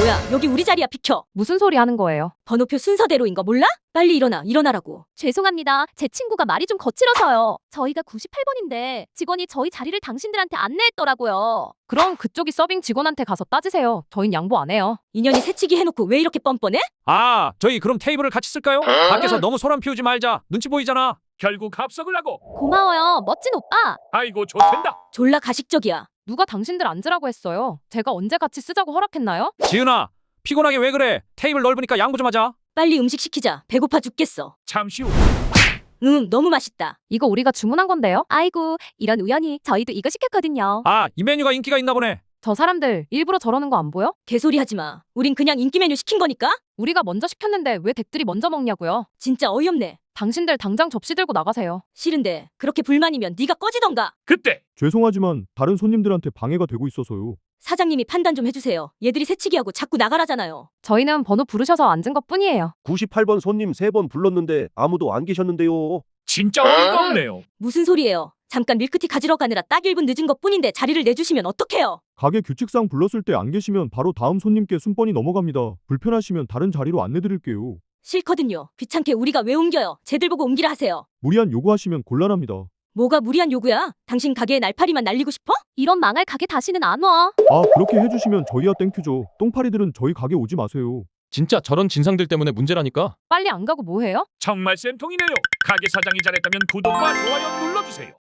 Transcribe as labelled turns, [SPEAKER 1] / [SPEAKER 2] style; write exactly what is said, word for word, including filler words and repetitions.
[SPEAKER 1] 뭐야, 여기 우리 자리야. 비켜.
[SPEAKER 2] 무슨 소리 하는 거예요?
[SPEAKER 1] 번호표 순서대로인 거 몰라? 빨리 일어나, 일어나라고.
[SPEAKER 3] 죄송합니다. 제 친구가 말이 좀 거칠어서요. 저희가 구십팔 번인데 직원이 저희 자리를 당신들한테 안내했더라고요.
[SPEAKER 2] 그럼 그쪽이 서빙 직원한테 가서 따지세요. 저흰 양보 안 해요.
[SPEAKER 1] 인연이 새치기 해놓고 왜 이렇게 뻔뻔해?
[SPEAKER 4] 아, 저희 그럼 테이블을 같이 쓸까요? 밖에서 너무 소란 피우지 말자. 눈치 보이잖아.
[SPEAKER 5] 결국 합석을 하고.
[SPEAKER 3] 고마워요, 멋진 오빠.
[SPEAKER 5] 아이고 좋댄다.
[SPEAKER 1] 졸라 가식적이야.
[SPEAKER 2] 누가 당신들 앉으라고 했어요? 제가 언제 같이 쓰자고 허락했나요?
[SPEAKER 4] 지은아, 피곤하게 왜 그래? 테이블 넓으니까 양보 좀 하자.
[SPEAKER 1] 빨리 음식 시키자. 배고파 죽겠어.
[SPEAKER 5] 잠시 후.
[SPEAKER 1] 응, 너무 맛있다.
[SPEAKER 2] 이거 우리가 주문한 건데요?
[SPEAKER 3] 아이고, 이런 우연히 저희도 이거 시켰거든요.
[SPEAKER 4] 아, 이 메뉴가 인기가 있나 보네.
[SPEAKER 2] 저 사람들 일부러 저러는 거 안 보여?
[SPEAKER 1] 개소리 하지 마. 우린 그냥 인기 메뉴 시킨 거니까?
[SPEAKER 2] 우리가 먼저 시켰는데 왜 댁들이 먼저 먹냐고요?
[SPEAKER 1] 진짜 어이없네.
[SPEAKER 2] 당신들 당장 접시 들고 나가세요.
[SPEAKER 1] 싫은데 그렇게 불만이면 네가 꺼지던가.
[SPEAKER 5] 그때
[SPEAKER 6] 죄송하지만 다른 손님들한테 방해가 되고 있어서요.
[SPEAKER 1] 사장님이 판단 좀 해주세요. 얘들이 새치기하고 자꾸 나가라잖아요.
[SPEAKER 2] 저희는 번호 부르셔서 앉은 것 뿐이에요.
[SPEAKER 7] 구십팔 번 손님 세 번 불렀는데 아무도 안 계셨는데요.
[SPEAKER 5] 진짜 어이가 없네요.
[SPEAKER 1] 무슨 소리예요? 잠깐 밀크티 가지러 가느라 딱 일 분 늦은 것 뿐인데 자리를 내주시면 어떡해요?
[SPEAKER 6] 가게 규칙상 불렀을 때 안 계시면 바로 다음 손님께 순번이 넘어갑니다. 불편하시면 다른 자리로 안내드릴게요.
[SPEAKER 1] 싫거든요. 귀찮게 우리가 왜 옮겨요? 쟤들 보고 옮기라 하세요.
[SPEAKER 6] 무리한 요구하시면 곤란합니다.
[SPEAKER 1] 뭐가 무리한 요구야? 당신 가게에 날파리만 날리고 싶어?
[SPEAKER 3] 이런 망할 가게 다시는 안 와.
[SPEAKER 6] 아, 그렇게 해주시면 저희야 땡큐죠. 똥파리들은 저희 가게 오지 마세요.
[SPEAKER 8] 진짜 저런 진상들 때문에 문제라니까.
[SPEAKER 2] 빨리 안 가고 뭐해요?
[SPEAKER 5] 정말 쌤통이네요. 가게 사장이 잘했다면 구독과 좋아요 눌러주세요.